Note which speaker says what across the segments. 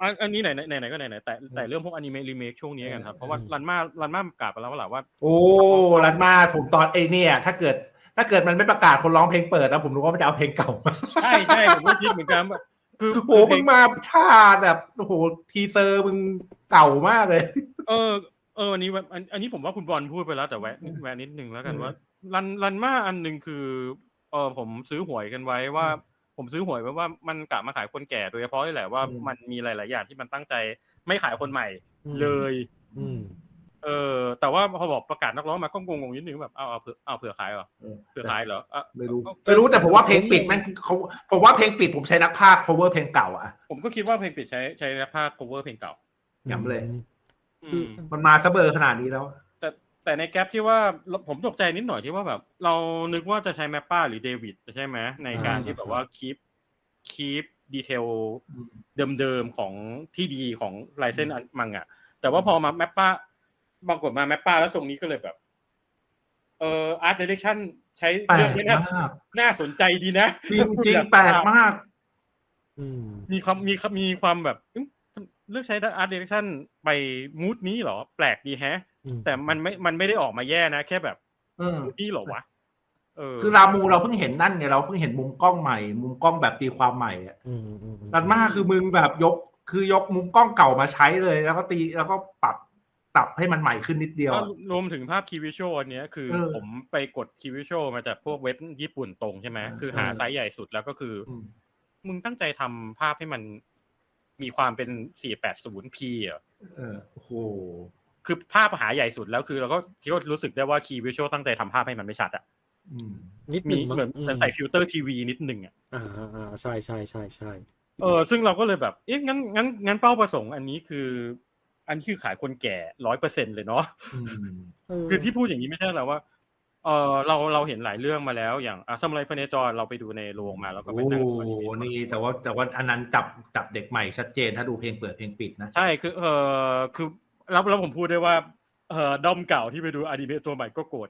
Speaker 1: อันนี้ไหนก็ไหนแต่เรื่องพวกอนิเมะรีเมคช่วงนี้กันครับเพราะว่ารันมากล่าวไปแล้วว่า
Speaker 2: โอ้รันมาผมตอนเนี่ยถ้าเกิดมันไม่ประกาศคนร้องเพลงเปิดนะผมรู้ว่ามันจะเอาเพลงเก่ามา
Speaker 1: ใช่ผมก็คิดเหมือนกันคือ
Speaker 2: โอ้มึงมาท่าแบบโอ้โหทีเซอร์มึงเก่ามากเลย
Speaker 1: อันนี้ผมว่าคุณบอลพูดไปแล้วแต่แวะนิดนึงแล้วกันว่ารันมาอันนึงคือผมซื้อหวยกันไว้ว่าผมซื้อหวยไว้ว่ามันกะมาขายคนแก่โดยเฉพาะนี่แหละว่ามันมีหลายๆอย่างที่มันตั้งใจไม่ขายคนใหม่เลยแต่ว่าพอบอกประกาศนักร้องมาก็งงนิดนึงแบบเอาเผื่อขายเหรอเผื่อขายเหรอ
Speaker 2: ไม่รู้แต่ผมว่าเพลงปิดมันผมว่าเพลงปิดผมใช้นักพากย์ cover เพลงเก่าอ่ะ
Speaker 1: ผมก็คิดว่าเพลงปิดใช้นักพากย์ cover เพลงเก่า
Speaker 2: ย้ำเลยมันมาซะเบอร์ขนาดนี้แล้ว
Speaker 1: แต่ในแกปที่ว่าผมตกใจนิดหน่อยที่ว่าแบบเรานึกว่าจะใช้แมปป้าหรือเดวิดใช่ไหมในการที่แบบว่าคีปดีเทลเดิมๆของที่ดีของลายเส้นมังอ่ะแต่ว่าพอมาแมปป้าบางกฎมาแมปป้าแล้วทรงนี้ก็เลยแบบอาร์ตดิเรกชั่นใช้เรื่องนี้น่าสนใจดีนะ
Speaker 2: จริงแปลกมาก
Speaker 1: มีความแบบเลือกใช้อาร์ตดิเรกชั่นไปมูดนี้เหรอแปลกดีแฮะแต่มันไม่ได้ออกมาแย่นะแค่แบบนี่เหรอวะ
Speaker 2: คือรามูเราเพิ่งเห็นนั่นไงเราเพิ่งเห็นมุมกล้องใหม่มุมกล้องแบบตีความใหม่อ่ะรันมาคือมึงแบบยกมุมกล้องเก่ามาใช้เลยแล้วก็ตีแล้วก็ปรับให้มันใหม่ขึ้นนิดเดียว
Speaker 1: รวมถึงภาพคีย์วิชวลอันนี้คือผมไปกดคีย์วิชวลมาจากพวกเว็บญี่ปุ่นตรงใช่ไหมคือหาไซส์ใหญ่สุดแล้วก็คือมึงตั้งใจทำภาพให้มันมีความเป็น 480p อ่ะ
Speaker 2: โอ้โห
Speaker 1: คือภาพหาใหญ่สุดแล้วคือเราก็คิดว่ารู้สึกได้ว่าคีย์วิชวลตั้งใจทำภาพให้มันไม่ชัดอ่ะ
Speaker 3: นิดนึง
Speaker 1: เหมือนใส่ฟิลเตอร์ทีวีนิดนึงอ่ะ
Speaker 3: ใช่
Speaker 1: ซึ่งเราก็เลยแบบงั้นเป้าประสงค์อันนี้คือขายคนแก่ 100% เลยเนาะคือที่พูดอย่างนี้ไม่ใช่แล้วว่าเราเห็นหลายเรื่องมาแล้วอย่างซามูไรพเนจรเราไปดูในโรงมาแล้วก็ไปนั่งดู
Speaker 2: นี่แต่ว่าอันนั้นจับเด็กใหม่ชัดเจนถ้าดูเพลงเปิดเพลงปิดนะ
Speaker 1: ใช่คือแล้วผมพูดได้ว่าด้อมเก่าที่ไปดูอนิเมะตัวใหม่ก็โกรธ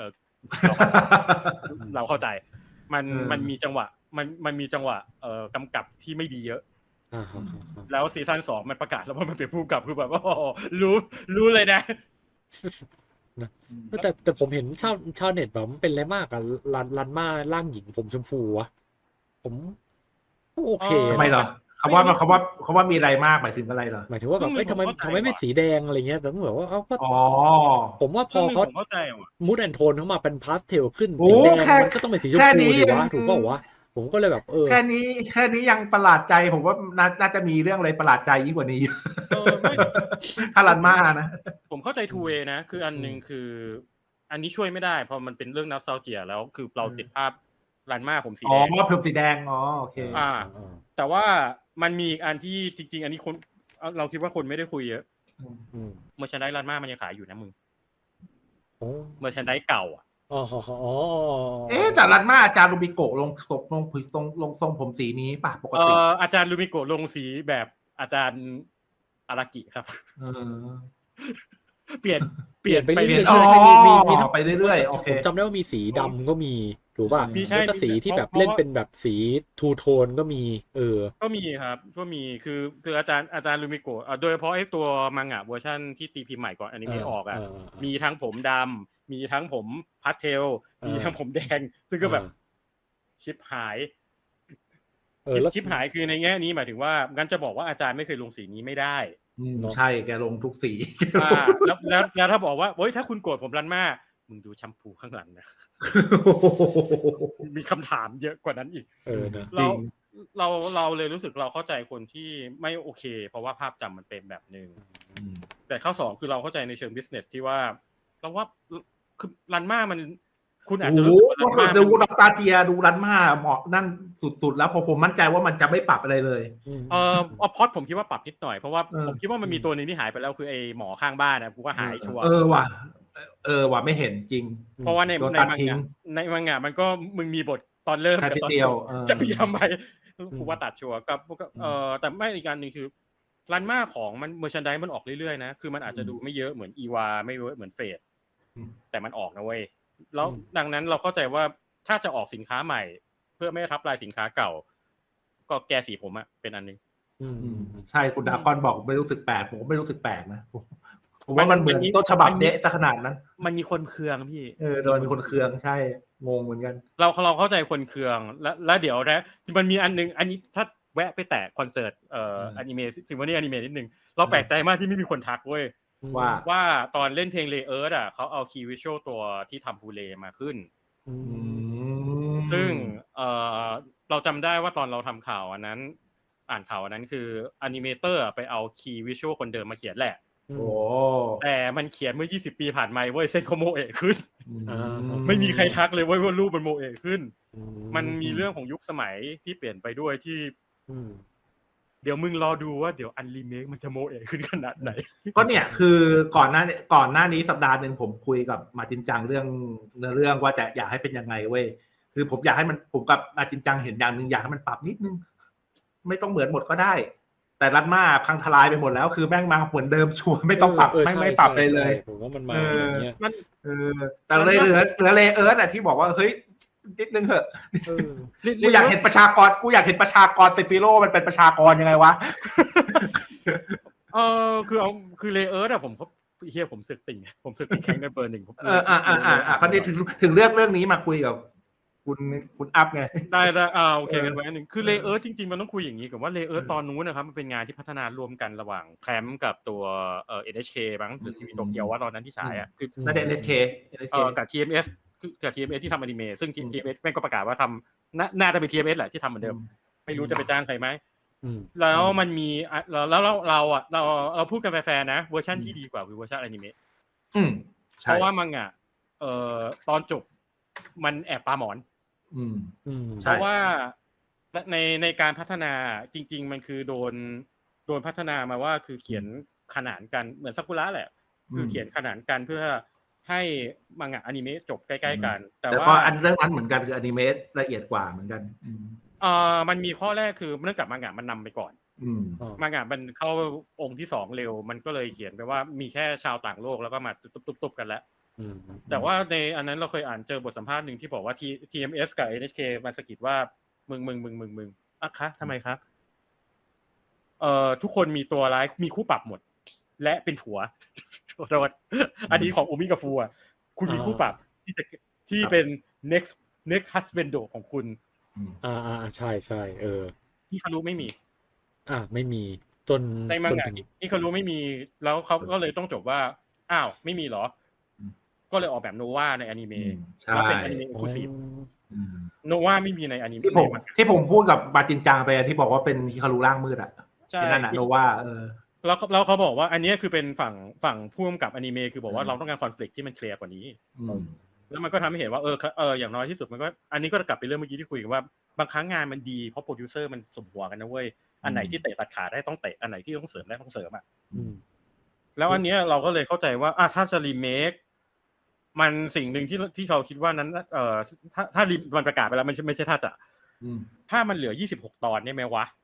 Speaker 1: เราเข้าใจมันมีจังหวะมันมีจังหวะกำกับที่ไม่ดีเยอะแล้วซีซั่น2มันประกาศแล้วว่ามันเป็นผู้กำกับคือแบบรู้เลยนะ
Speaker 3: แต่ผมเห็นชาวเน็ตแบบมันเป็นอะไรมากอะรันมาร่างหญิงผมชมพูวะผมโอเค
Speaker 2: ทำไมเหรอเขาว่ามีอะไรมากหมายถึงอะไรเหรอ
Speaker 3: หมายถึงว่าแบบทำไมไม่สีแดงอะไรเงี้ยแต่ผมแบบว่าผมว่าพอเขามูดแอนโทนเข้ามาเป็นพาสเทลขึ้นสีแดงมันก็ต้องเป็นสีชมพูดีวะถูกป่าววะผมก็เลยแบบ
Speaker 2: แค่นี้ยังประหลาดใจผมว่าน่าจะมีเรื่องอะไรประหลาดใจยิ่งกว่านี้ถ้ารันมานะ
Speaker 1: ผมเข้าใจทูเวนะคืออันนึงคืออันนี้ช่วยไม่ได้พอมันเป็นเรื่องนัสซาเจียแล้วคือเราติดภาพรันมาผมสีแดง
Speaker 2: ผมสีแดงโอเค
Speaker 1: แต่ว่ามันมีอันที่จริงๆอันนี้คนเราคิดว่าคนไม่ได้คุยเยอะเมอร์แชนไดส์รันมามันยังขายอยู่นะมึงเมอร์แชนไดส์เก่า
Speaker 2: แต่รันมาอาจารย์ลูมิโกะลงทรงผมสีนี้ป่ะปกติ
Speaker 1: อาจารย์ลูมิโกะลงสีแบบอาจารย์อารากิครับเปลี่ยนไปเรื่อย
Speaker 3: ๆมี
Speaker 2: ไปเรื่อยๆโอเค
Speaker 3: ผมจำได้ว่ามีสีดำก็มีถูกป่ะแล้วก็สีที่แบบเล่นเป็นแบบสีทูโทนก็มี
Speaker 1: ก็มีครับก็มีคืออาจารย์ลูมิโกะโดยเฉพาะไอ้ตัวมังงะเวอร์ชันที่ตีพิมพ์ใหม่ก่อนอนิเมะออกมีทั้งผมดำมีทั้งผมพาสเทลมีทั้งผมแดงซึ่งก็แบบชิปหายชิปหายคือในแง่นี้หมายถึงว่างั้นจะบอกว่าอาจารย์ไม่เคยลงสีนี้ไม่ได้
Speaker 2: ใช่แกลงทุกสี
Speaker 1: แล้วถ้าบอกว่าเฮ้ยถ้าคุณโกรธผมรันมามึงดูแชมพูข้างหลังนะมีคำถามเยอะกว่านั้นอีกเราเลยรู้สึกเราเข้าใจคนที่ไม่โอเคเพราะว่าภาพจำมันเป็นแบบนึงแต่ข้อ2คือเราเข้าใจในเชิงบิสเนสที่ว่าเราว่าคือรันมามันคุณอาจจะรู้
Speaker 2: ว่าดูดอกตาเตียดูรันมาเหมาะนั่นสุดๆแล้วพอผมมั่นใจว่ามันจะไม่ปรับอะไรเลย
Speaker 1: พอดผมคิดว่าปรับนิดหน่อยเพราะว่าผมคิดว่ามันมีตัวนึงที่หายไปแล้วคือไอ้หมอข้างบ้านนะกูว่าหายชัวร์
Speaker 2: ว่ะไม่เห็นจริง
Speaker 1: เพราะว่าในมังงะมันก็มึงมีบทตอนเริ่มกับตอนจบจะพยายามไปกูว่าตัดชัวร์กับแต่ไม่อีกการนึงคือรันมาของมันเมอร์ชันไดส์มันออกเรื่อยๆนะคือมันอาจจะดูไม่เยอะเหมือนอีวาไม่เยอะเหมือนเฟดแต่มันออกนะเว้ยแล้วดังนั้นเราเข้าใจว่าถ้าจะออกสินค้าใหม่เพื่อไม่ทับลายสินค้าเก่าก็แก้สีผมเป็นอันนึง
Speaker 2: ใช่คุณดากอนบอกไม่รู้สึกแปลกผมไม่รู้สึกแปลกนะผมว่ามันเหมือนต้นฉบับเดะซะขนาดนั้น
Speaker 1: มันมีคนเคืองพี่
Speaker 2: โดนมีคนเคืองใช่งงเหมือนกัน
Speaker 1: เราเข้าใจคนเคืองแล้วเดี๋ยวนะมันมีอันนึงอันนี้ถ้าแวะไปแตะคอนเสิร์ตอนิเมะซิมโฟนีอนิเมะนิดนึงเราแปลกใจมากที่ไม่มีคนทักเว้ยว่าตอนเล่นเพลงเลเอิร์ธเขาเอาคีย์วิชวลตัวที่ทำบูเลมาขึ้นซึ่งเราจำได้ว่าตอนเราทำข่าวอันนั้นอ่านข่าวอันนั้นคืออนิเมเตอร์ไปเอาคีย์วิชวลคนเดิมมาเขียนแหละแต่มันเขียนเมื่อ20ปีผ่านมาเว้ยเส้นเขาโมเอะขึ้นไม่มีใครทักเลยว่ารูปมันโมเอะขึ้นมันมีเรื่องของยุคสมัยที่เปลี่ยนไปด้วยที่เดี๋ยวมึงรอดูว่าเดี๋ยวอันรีเมคมันจะโมเอะขึ้นขนาดไหน
Speaker 2: ก็เนี่ยคือก่อนหน้านี้สัปดาห์นึงผมคุยกับมาจินจังเรื่องเนื้อเรื่องว่าจะอยากให้เป็นยังไงเว้ยคือผมอยากให้มันผมกับมาจินจังเห็นอย่างนึงอยากให้มันปรับนิดนึงไม่ต้องเหมือนหมดก็ได้แต่รัดมาพังทลายไปหมดแล้วคือแม่งมาเหมือนเดิมชัวร์ไม่ต้องปรับไม่ปรับเลย
Speaker 3: ผมว่ามันมาอย่างเงี้ย
Speaker 2: มันแต่เลยเหลือเลเอิร์ธที่บอกว่าเฮ้ยนิดนึงเหอะกูอยากเห็นประชากรเซฟิโร่มันเป็นประชากรยังไงวะ
Speaker 1: คือเลเอิร์ธผมเฮียผมสึกติ่งแข่งในเบอร์1
Speaker 2: เขาได้ถึงเรื่องนี้มาคุยกับคุณอัพไง
Speaker 1: ได้โอเคกันไว้นึงคือเลเอิร์ธจริงๆมันต้องคุยอย่างนี้กับว่าเลเอิร์ธตอนนู้นนะครับมันเป็นงานที่พัฒนารวมกันระหว่างแคมป์กับตัวNHK มั้งหรือทีวีโตเกียวว่าตอนนั้นที่ฉาย
Speaker 2: คือน่าจะ NHK
Speaker 1: กับ TMS กับ TMS ที่ทำอนิเมะซึ่ง TMS แม่งก็ประกาศว่าทำน่าจะเป็น TMS แหละที่ทำเหมือนเดิมไม่รู้จะไปจ้างใครไหมแล้วมันมีแล้วเราพูดกันแฟร์ๆนะเวอร์ชันที่ดีกว่าคือเวอร์ชันอนิเมะเพราะว่ามังงะตอนจบมันแอบปาหมอนเพราะว่าในการพัฒนาจริงๆมันคือโดนพัฒนามาว่าคือเขียนขนานกันเหมือนซากุระแหละคือเขียนขนานกันเพื่อให้มังงะอนิเมะจบใกล้ๆกัน
Speaker 2: แต่ว่าอันเรื่องนั้นเหมือนกันคืออนิเมะละเอียดกว่าเหมือนกัน
Speaker 1: มันมีข้อแรกคือเนื่องจากมังงะมันนำไปก่อนมังงะมันเข้าองค์ที่2เร็วมันก็เลยเขียนไปว่ามีแค่ชาวต่างโลกแล้วก็มาตุ๊บๆกันแล้วแต่ว่าในอันนั้นเราเคยอ่านเจอบทสัมภาษณ์หนึ่งที่บอกว่า TMS กับ NHK มันสะกิดว่ามึงอ่ะคะทำไมครับทุกคนมีตัวร้ายมีคู่ปรับหมดและเป็นผัวโทษอันนี้ของอุมิกับฟูคุณมีคู่ปรับที่เป็น next husband ของคุณ
Speaker 3: ใช่
Speaker 1: ที่คารุไม่มี
Speaker 3: ไม่มีจน
Speaker 1: ในมังงะที่คารุไม่มีแล้วเขาก็เลยต้องจบว่าอ้าวไม่มีเหรอก็เลยออกแบบโนวาในอนิเมะแล้วเป็นอนิเมะเอ็กซ์คลูซีฟโนวาไม่มีในอนิเมะ
Speaker 2: ที่ผมพูดกับมาจินจังไปที่บอกว่าเป็นฮิคารุร่างมืดที่นั่นโนวา
Speaker 1: แล้วเขาบอกว่าอันนี้คือเป็นฝั่งผู้กำกับอนิเมะคือบอกว่าเราต้องการคอนฟลิกต์ที่มันเคลียร์กว่านี้แล้วมันก็ทำให้เห็นว่าอย่างน้อยที่สุดมันก็อันนี้ก็กลับไปเรื่องเมื่อกี้ที่คุยกันว่าบางครั้งงานมันดีเพราะโปรดิวเซอร์มันสมหัวกันนะเว้ยอันไหนที่เตะตัดขาได้ต้องเตะอันไหนที่ต้องเสริมได้ต้องเสริมแล้วอันนี้เราก็เลยเข้าใจว่าถ้าจะรีเมคมันสิ่งหนึ่งที่เขาคิดว่านั้นถ้ามันประกาศไปแล้วมันไม่ใช่ถ้ามันเหลือ26ตอนเนี่ยไหมวะ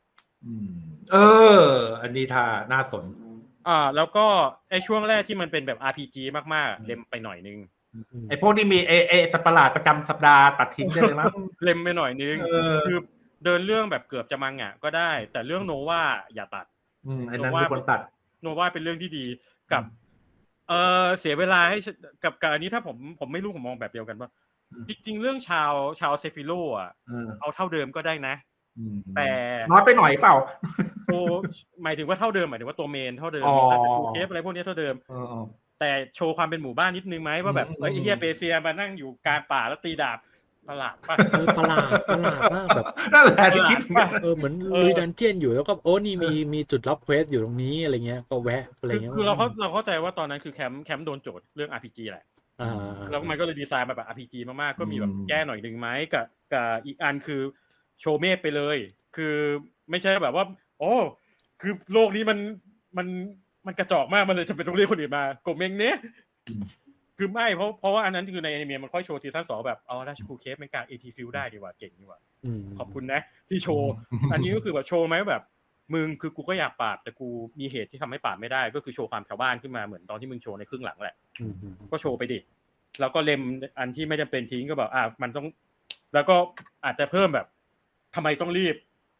Speaker 2: อันนี้ถ้าน่าสน
Speaker 1: แล้วก็ไอ้ช่วงแรกที่มันเป็นแบบ RPG มากๆเล็มไปหน่อยนึง
Speaker 2: ไอ้พวกนี้มีสัตว์ประหลาดประจำสัปดาห์ตัดทิ้งได้เลยมั้ง
Speaker 1: เล็มไปหน่อยนึงคือเดินเรื่องแบบเกือบจะมังงะก็ได้แต่เรื่องโนวาอย่าตัด
Speaker 2: ไอ้นั้นมีคนตัด
Speaker 1: โนวาเป็นเรื่องที่ดีกับเสียเวลาให้กับอันนี้ถ้าผมไม่รู้ผมมองแบบเดียวกันว่าจริงๆเรื่องชาวเซฟิโลเอาเท่าเดิมก็ได้นะแต่
Speaker 2: น้อยไปหน่อยเปล่า
Speaker 1: หมายถึงว่าเท่าเดิมหมายถึงว่าตัวเมนเท่าเดิมตัวเคฟอะไรพวกนี้เท่าเดิมแต่โชว์ความเป็นหมู่บ้านนิดนึงไหมว่าแบบไอ้เฮียเปเซียมานั่งอยู่กลางป่าแล้วตีดาบประหลาดป่ะ
Speaker 3: ประหลาดมากแบบ
Speaker 2: นั่นแหละที่คิด
Speaker 3: เหมือนลุยดันเจียนอยู่แล้วก็นี่มีจุดรับเควสอยู่ตรงนี้อะไรเงี้ยก็แวะอะไรเงี้ย
Speaker 1: คือเราเข้าใจว่าตอนนั้นคือแคมป์โดนโจทย์เรื่อง RPG แหละแล้วมันก็เลยดีไซน์มาแบบ RPG มากๆก็มีแบบแก้หน่อยนึงไหมกับอีกอันคือโชว์เมฆไปเลยคือไม่ใช่แบบว่าคือโลกนี้มันกระจอกมากมันเลยจะเป็นต้องเรียกคนอื่นมาโกเมงเนี้ยคือไม่เพราะว่าอันนั้นคือในอนิเมะมันค่อยโชว์ซีซั่น2แบบราชคูเคฟไม่กล้า AT Field ได้ดีกว่าเก่งดีกว่าขอบคุณนะที่โชว์อันนี้ก็คือแบบโชว์ไหมแบบมึงคือกูก็อยากปราบแต่กูมีเหตุที่ทำให้ปราบไม่ได้ก็คือโชว์ความชาวบ้านขึ้นมาเหมือนตอนที่มึงโชว์ในครึ่งหลังแหละก็โชว์ไปดิแล้วก็เล็มอันที่ไม่จำเป็นทิ้งก็แบบมันต้องแล้วก็อาจจะเพิ่มแบบทำไมต้องรีบ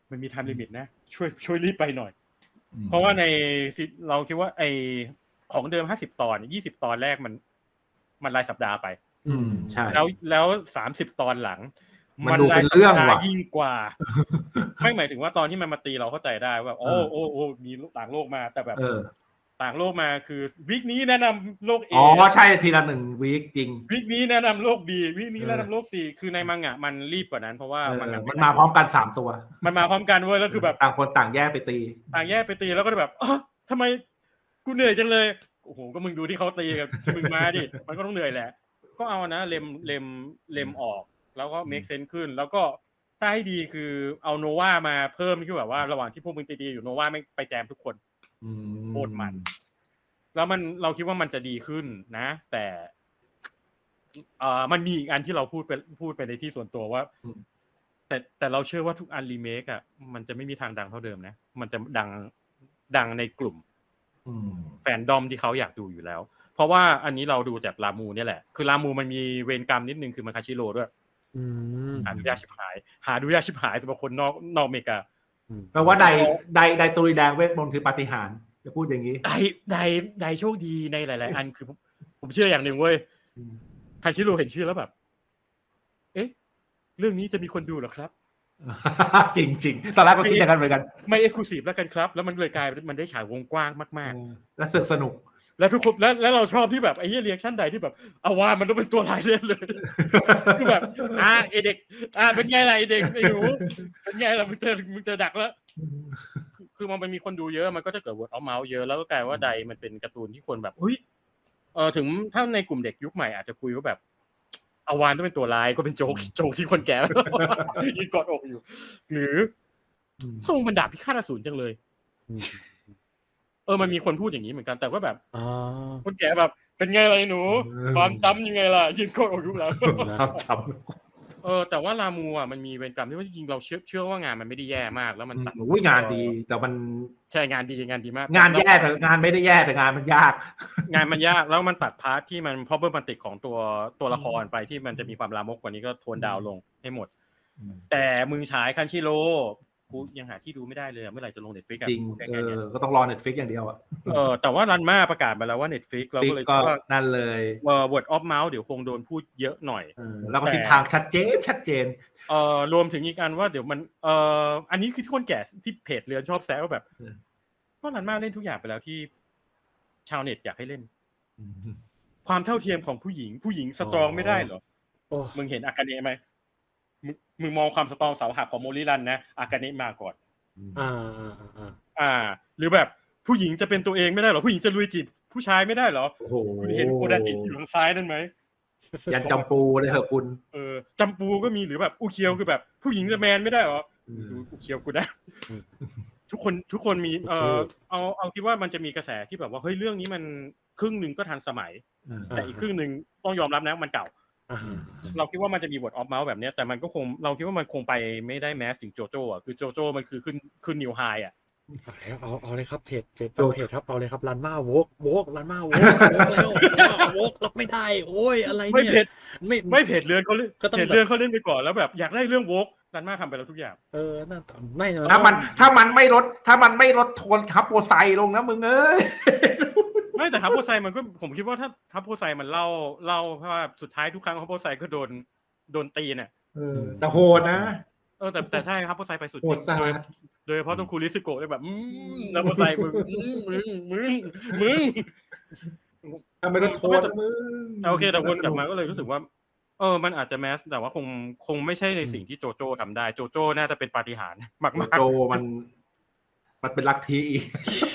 Speaker 1: มันมีไทม์ลิมิตนะช่วยรีบไปหน่อยเพราะว่าในเราคิดว่าไอของเดิม50 ตอน20 ตอนแรกมันรายสัปดาห์ไป
Speaker 2: ใช่
Speaker 1: แล้ว30 ตอนหลัง
Speaker 2: มันดูเป็นเรื่องว่ะ
Speaker 1: ยิ่งกว่าไม่หมายถึงว่าตอนที่มันมาตีเราเข้าใจได้ว่าโอ้มีต่างโลกมาแต่แบบต่างโลกมาคือวีคนี้แนะนำโลก A
Speaker 2: อ๋อใช่ทีละ1วีคจริง
Speaker 1: วีคนี้แนะนำโลก B วีคนี้แนะนำโลก C คือในมังงะมันรีบกว่านั้นเพราะว่ามัน
Speaker 2: มาพร้อมกัน3ตัว
Speaker 1: มันมาพร้อมกันเว้ยแล้วคือแบบ
Speaker 2: ต่างคนต่างแยกไปตี
Speaker 1: แล้วก็แบบทำไมกูเหนื่อยจังเลยโอ้โหก็มึงดูที่เขาตีกับที่มึงมาดิมันก็ต้องเหนื่อยแหละก็เอานะเล็มออกแล้วก็ make sense ขึ้นแล้วก็ถ้าให้ดีคือเอาโนวามาเพิ่มคือแบบว่าระหว่างที่พวกมึงตีอยู่โนวาไม่ไปแจมทุกคนโคตรมันแล้วเราคิดว่ามันจะดีขึ้นนะแต่มันมีอีกอันที่เราพูดไปในที่ส่วนตัวว่าแต่เราเชื่อว่าทุกอันรีเมคอ่ะมันจะไม่มีทางดังเท่าเดิมนะมันจะดังในกลุ่มแฟนดอมที่เขาอยากดูอยู่แล้วเพราะว่าอันนี้เราดูจากรามูเนี่ยแหละคือรามูมันมีเวรกรรมนิดนึงคือมันคาชิโร่ด้วยหาดูยากชิบหายสำหรับคนนอกอเมริกา
Speaker 2: แปลว่าใดตุยแดงเวทมนต์คือปาฏิหาริย์จะพูดอย่างนี้
Speaker 1: ใดโชคดีในหลายๆอันคือผมเชื่ออย่างหนึ่งเว้ยคาชิโร่เห็นชื่อแล้วแบบเอ๊ะเรื่องนี้จะมีคนดูเหรอครับ
Speaker 2: จริงๆตอนแรกก็คิดอย่างนั้นเหมือนกัน
Speaker 1: ไม่เอ็กซ์คลูซีฟแล้วกันครับแล้วมันเลยกลายมันได้ฉายวงกว้างมาก
Speaker 2: ๆและสนุก
Speaker 1: แล้วทุกคนแล้วเราชอบที่แบบไอ้เหี้ยเรีแอคชั่นใดที่แบบเอาว่ามันต้องเป็นตัวร้ายเล่นเลยคือแบบไอ้เด็กเป็นไงล่ะไอ้เด็กไอ้หนูเป็นไงล่ะมึงเจอดักแล้วคือมันมีคนดูเยอะมันก็จะเกิด word of mouth เยอะแล้วก็กลายว่าใดมันเป็นการ์ตูนที่คนแบบถึงถ้าในกลุ่มเด็กยุคใหม่อาจจะคุยว่าแบบอวานต้องเป็นตัวร้ายก็เป็นโจ๊กที่คนแก่ยืนกอดอกอยู่หรือทรงมันดาบพิฆาตอสูรจังเลยมันมีคนพูดอย่างนี้เหมือนกันแต่ว่าแบบคนแก่แบบเป็นไงล่ะหนูความจำยังไงล่ะยืนกอดอกอยู่แล้ว
Speaker 2: จำ
Speaker 1: แต่ว่ารามูมันมีเวรกรรมที่ว่าจริงๆเราเชื่อว่างานมันไม่ได้แย่มากแล้วมันตัด
Speaker 2: งานดีแต่มัน
Speaker 1: ใช่งานดีมาก
Speaker 2: งานแย่แต่งานไม่ได้แย่แต่งานมันยาก
Speaker 1: แล้วมันตัดพาร์ทที่มันพอเบอร์มันติดของตัวละครไปที่มันจะมีความลามกกว่านี้ก็โทนดาวลงให้หมดแต่มึงฉายคันชิโร่กูยังหาที่ดูไม่ได้เลยเมื่อไหร่จะลง Netflix
Speaker 2: จริงก็ต้องรอ Netflix อย่างเดียว
Speaker 1: แต่ว่ารันมาประกาศมาแล้วว่า Netflix เราก็เลย
Speaker 2: คิดว่านั่นเลย
Speaker 1: word of mouth เดี๋ยวคงโดนพูดเยอะหน่อย
Speaker 2: แล้วก็ทิศทางชัดเจน
Speaker 1: รวมถึงอีกอันว่าเดี๋ยวมันอันนี้คือที่คนแก่ที่เพจเรือนชอบแซวว่าแบบก็รันมาเล่นทุกอย่างไปแล้วที่ชาวเน็ตอยากให้เล่นความเท่าเทียมของผู้หญิงสตรองไม่ได้เหรอมึงเห็นอากาเนะไหมมึงมองความสตรองเสาหักของโมริรันนะอากาเนะมาก่อนหรือแบบผู้หญิงจะเป็นตัวเองไม่ได้หรอผู้หญิงจะลุยจีบผู้ชายไม่ได้หรอคุณเห็นโคดาจิอยู่ทางซ้ายนั่นไหม
Speaker 2: ยันจำปูเลยเหรอคุณ
Speaker 1: จำปูก็มีหรือแบบอุเคียวคือแบบผู้หญิงจะแมนไม่ได้หรอดูอุเคียวกูได้ทุกคนมีเอาคิดว่ามันจะมีกระแสที่แบบว่าเฮ้ยเรื่องนี้มันครึ่งนึงก็ทันสมัยแต่อีกครึ่งนึงต้องยอมรับนะมันเก่าเราคิดว่ามันจะมี word of mouth แบบนี้แต่มันก็คงเราคิดว่ามันคงไปไม่ได้แมสถึงโจโจ้อ่ะคือโจโจ้มันคือขึ้นนิวไฮอ่ะ
Speaker 3: เอาเลยครับเพจครับเอาเลยครับรันมาโวกรันมาโวกแล้วโวกรับไม่ได้โอ้ยอะไรเนี่ย
Speaker 1: ไม่เพจเรือนเขาเล่นเพจเรือนเขาเล่นไปก่อนแล้วแบบอยากได้เรื่องโวกรันมาทำไปแล้วทุกอย่าง
Speaker 3: นั่นไม่
Speaker 2: ถ้ามันไม่ลดโทนทับโปรไซลงนะมึงเอ้ย
Speaker 1: ไม่แต่ทับโพไซมันก็ผมคิดว่าถ้าทับโพไซมันเล่าเพราะว่าสุดท้ายทุกครั้งทับโพไซก็โดนตีเนี่ย
Speaker 2: แต่โหดนะ
Speaker 1: แต่ใช่ทับโพไซไปสุดจริงโดยเฉพาะตรงคูริสโกะแบบทับโพไซมึง
Speaker 2: ทำไมต้องโทษมึง
Speaker 1: โอเคแต่วนกลับมาก็เลยรู้สึกว่ามันอาจจะแมสแต่ว่าคงไม่ใช่ในสิ่งที่โจโจ้ทำได้โจโจ้น่าจะเป็นปาฏิหาริย์มากๆ
Speaker 2: โจมันเป็นลัทธิอีก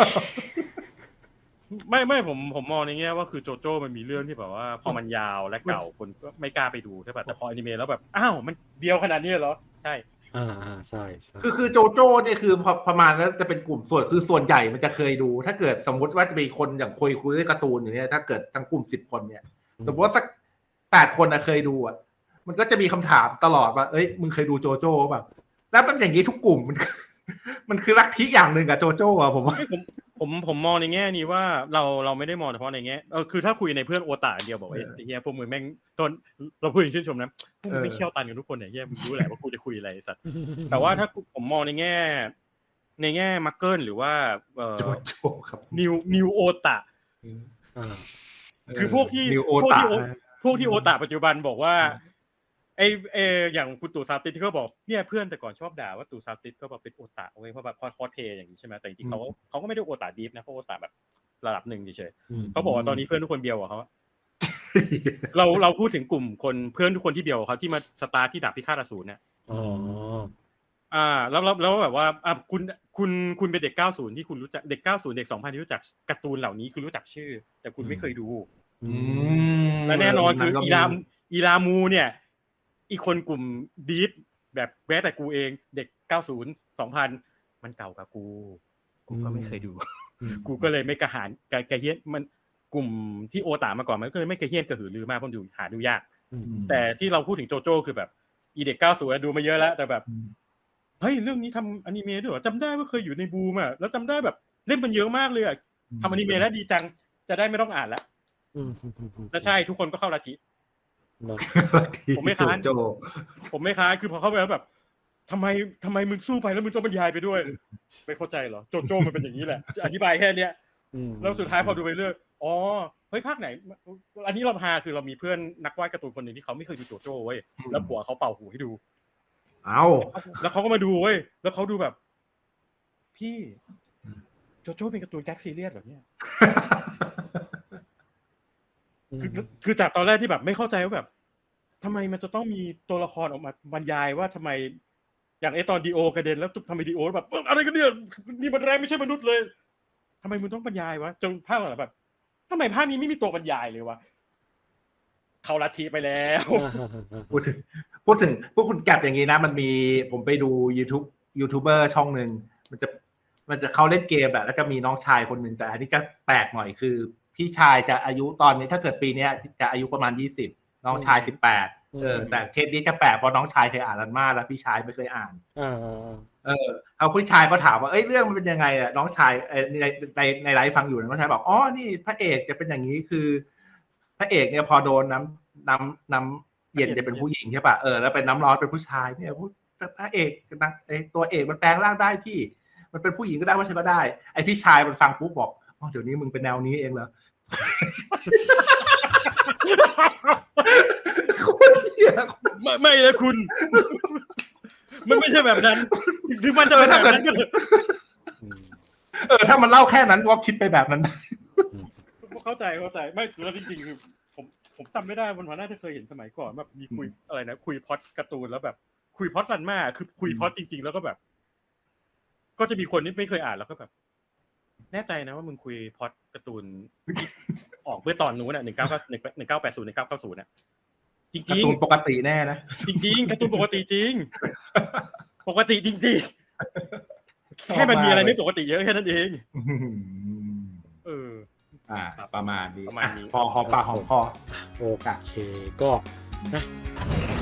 Speaker 1: ไม่ผมมองในแง่ว่าคือโจโจ้มันมีเรื่องที่แบบว่าพอมันยาวและเก่าคนก็ไม่กล้าไปดูใช่ป่ะแต่พออนิเมะแล้วแบบอ้าวมันเดียวขนาดนี้เหรอใช่
Speaker 3: ใช่
Speaker 2: คือโจโจ้เนี่ยคือประมาณนั้นจะเป็นกลุ่มส่วนใหญ่มันจะเคยดูถ้าเกิดสมมติว่าจะมีคนอย่างคุยเรื่องการ์ตูนอย่างเนี้ยถ้าเกิดทั้งกลุ่ม10 คนเนี่ยสมมติว่าสัก8 คนเคยดูมันก็จะมีคำถามตลอดว่าเอ้ยมึงเคยดูโจโจ้ป่ะแล้วมันอย่างนี้ทุกกลุ่มมันคือลัทธิอย่างนึงกับโจโจ้ผมว่า
Speaker 1: ผมมองในแง่นี้ว่าเราไม่ได้มองเฉพาะในแง่คือถ้าคุยในเพื่อนโอตาเดียวบอกไอ้เหี้ยพวกมึงแม่งตอนเราพูดอย่างชื่นชมนะพวกมึงไม่เขี้ยวตันกันทุกคนเนี่ยเหี้ยมึงรู้แหละว่ากูจะคุยอะไรสัตว์แต่ว่าถ้าผมมองในแง่มักเกิลหรือว่า
Speaker 2: โจโจครับ
Speaker 1: นิวโอตาคือพวกที่โอตาปัจจุบันบอกว่าไออย่างคุณตู่ซาติสที่เขาบอกเนี่ยเพื่อนแต่ก่อนชอบด่าว่าตู่ซาติสก็แบบเป็นโอตาเว้ยเพราะแบบคอสเพย์อย่างนี้ใช่ไหมแต่จริงๆเขาก็ไม่ได้โอตาดีฟนะเขาโอตาแบบระดับหนึ่งเฉยๆเขาบอกว่าตอนนี้เพื่อนทุกคนเบียวกับเขาเราพูดถึงกลุ่มคนเพื่อนทุกคนที่เบียวกับเขาที่มาสตาร์ทที่ดาบพิฆาตอสูรเนี่ยแล้วแบบว่าคุณเป็นเด็ก90ที่คุณรู้จักเด็ก90เด็ก2000ที่รู้จักการ์ตูนเหล่านี้คุณรู้จักชื่อแต่คุณไม่เคยดูและแน่นอนคืออีรามูเนี่ยอีกคนกลุ่มดีฟแบบแม้แต่กูเองเด็ก90 2000มันเก่ากว่ากูก็ไม่เคยดูกูก็เลยไม่กระหายกระเฮี้ยนมันกลุ่มที่โอตามาก่อนมันก็เลยไม่กระเฮี้ยนกระหือรือมากเพราะหาดูยากแต่ที่เราพูดถึงโจโจ้คือแบบอีเด็ก90ดูมาเยอะแล้วแต่แบบเฮ้ยเรื่องนี้ทำอนิเมะด้วยเหรอจำได้ว่าเคยอยู่ในบูมอ่ะแล้วจำได้แบบเล่นมันเยอะมากเลยอ่ะทำอนิเมะแล้วดีจังจะได้ไม่ต้องอ่านแล้วแล้วใช่ทุกคนก็เข้าลัทธิผมไม่ค้านคือพอเข้าไปแล้วแบบทำไมมึงสู้ไปแล้วมึงต้องบรรยายไปด้วยไม่เข้าใจเหรอโจโจ้มันเป็นอย่างนี้แหละจะอธิบายแค่เนี้ยแล้วสุดท้ายพอดูไปเรื่อยอ๋อเฮ้ยภาคไหนอันนี้เราพาคือเรามีเพื่อนนักวาดการ์ตูนคนนึงที่เขาไม่เคยดูโจโจ้เว้ยแล้วผัวเขาเป่าหูให้ดูแล้วเขาก็มาดูเว้ยแล้วเขาดูแบบพี่โจโจ้เป็นการ์ตูนแก๊กซีเรียสแบบเนี้ยคือจากตอนแรกที่แบบไม่เข้าใจว่าแบบทำไมมันจะต้องมีตัวละครออกมาบรรยายว่าทำไมอย่างไอตอนดีโอกระเด็นแล้วทำไมดีโอแบบอะไรกันเนี่ยนี่มันแรงไม่ใช่มนุษย์เลยทำไมมึงต้องบรรยายวะจนภาคหลังแบบทำไมภาคนี้ไม่มีตัวบรรยายเลยวะเขาลัทธิไปแล้ว
Speaker 2: พูดถึงพวกคุณแกบอย่างนี้นะมันมีผมไปดูยูทูบเบอร์ช่องนึงมันจะเขาเล่นเกมแบบแล้วจะมีน้องชายคนนึงแต่อันนี้ก็แปลกหน่อยคือพี่ชายจะอายุตอนนี้ถ้าเกิดปีนี้จะอายุประมาณ20น้องชาย18แต่เคสนี้จะแปลกเพราะน้องชายเคยอ่านรันมาแล้วพี่ชายไม่เคยอ่านเอาพี่ชายก็ถามว่าเรื่องมันเป็นยังไงอ่ะน้องชายในไลฟ์ฟังอยู่น้องชายบอกอ๋อนี่พระเอกจะเป็นอย่างนี้คือพระเอกเนี่ยพอโดนน้ำเย็นจะเป็นผู้หญิงใช่ป่ะแล้วเป็นน้ำร้อนเป็นผู้ชายเนี่ยพระเอกตัวเอกมันแปลงร่างได้พี่มันเป็นผู้หญิงก็ได้ว่าใช่ก็ได้ไอพี่ชายมันฟังปุ๊บบอกอ๋อเดี๋ยวนี้มึงเป็นแนวนี้เองเหรอ
Speaker 1: ไม่เลยคุณมันไม่ใช่แบบนั้นถึงมันจะเป็นแบบนั้น
Speaker 2: ถ้ามันเล่าแค่นั้นว่าคิดไปแบบนั้น
Speaker 1: เข้าใจไม่แล้วจริงๆคือผมจำไม่ได้วันน่าจะเคยเห็นสมัยก่อนแบบมีคุยอะไรนะคุยพล็อตการ์ตูนแล้วแบบคุยพล็อตรันมาคือคุยพล็อตจริงๆแล้วก็แบบก็จะมีคนที่ไม่เคยอ่านแล้วก็แบบแน่ใจนะว่ามึงคุยพล็อตการ์ตูนออกเมื่อตอนนู้นน่ะ1980 1990น่ะจริงๆการ์
Speaker 2: ตูนปกติแน่นะ
Speaker 1: จริงๆการ์ตูนปกติจริงปกติจริงๆแค่มันมีอะไรไม่ปกติเยอะแค่นั้นเอง
Speaker 2: ประมาณนี้พอหอมปากหอมคอ
Speaker 3: โอเคก็นะ